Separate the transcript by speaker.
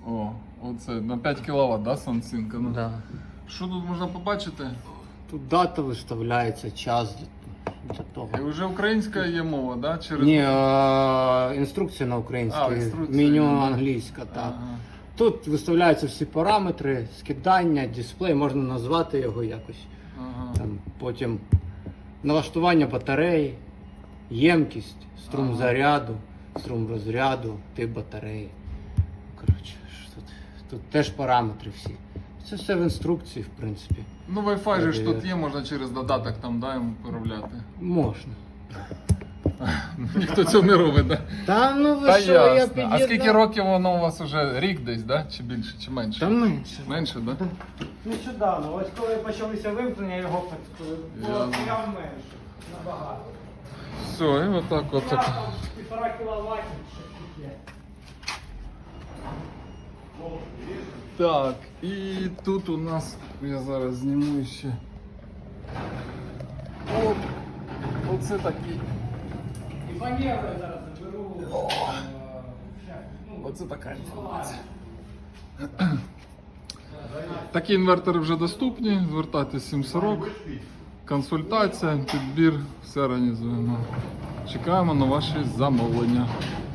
Speaker 1: О, оце на 5 кВт, да, Сансинка? Ну.
Speaker 2: Да.
Speaker 1: Що тут можна побачити?
Speaker 2: Тут дата виставляється, час для того.
Speaker 1: І вже українська є мова, да? Через...
Speaker 2: Ні, інструкція на українській,
Speaker 1: інструкція,
Speaker 2: меню
Speaker 1: да.
Speaker 2: англійська, так.
Speaker 1: Ага.
Speaker 2: Тут виставляються всі параметри, скидання, дисплей, можна назвати його якось.
Speaker 1: Ага.
Speaker 2: Там, потім налаштування батареї, ємкість, струм заряду, струм розряду, тип батареї. Коротше, що тут теж параметри всі. Це все в інструкції, в принципі.
Speaker 1: Ну, Wi-Fi же ж тут є, можна через додаток там, да, йому переробляти.
Speaker 2: Можна.
Speaker 1: Ніхто цього не робить, да?
Speaker 2: Та ну ви
Speaker 1: Та
Speaker 2: що, я
Speaker 1: ясно.
Speaker 2: під'єднав.
Speaker 1: А скільки років воно у вас вже? Рік десь, да? Чи більше, чи менше?
Speaker 2: Та менше.
Speaker 1: Менше, да?
Speaker 2: Нещодавно, ось коли почалися вимкнення, його
Speaker 1: Ясно.
Speaker 2: прям менше, набагато.
Speaker 1: Все, і отак от.
Speaker 2: Я там 1,5 кВт, ще є.
Speaker 1: Так, і тут у нас, я зараз зніму ще. От, оце такий.
Speaker 2: І фанеру я зараз заберу.
Speaker 1: Оце така інформація. Такі інвертори вже доступні, звертайтесь 740, консультація, підбір, все організуємо. Чекаємо на ваші замовлення.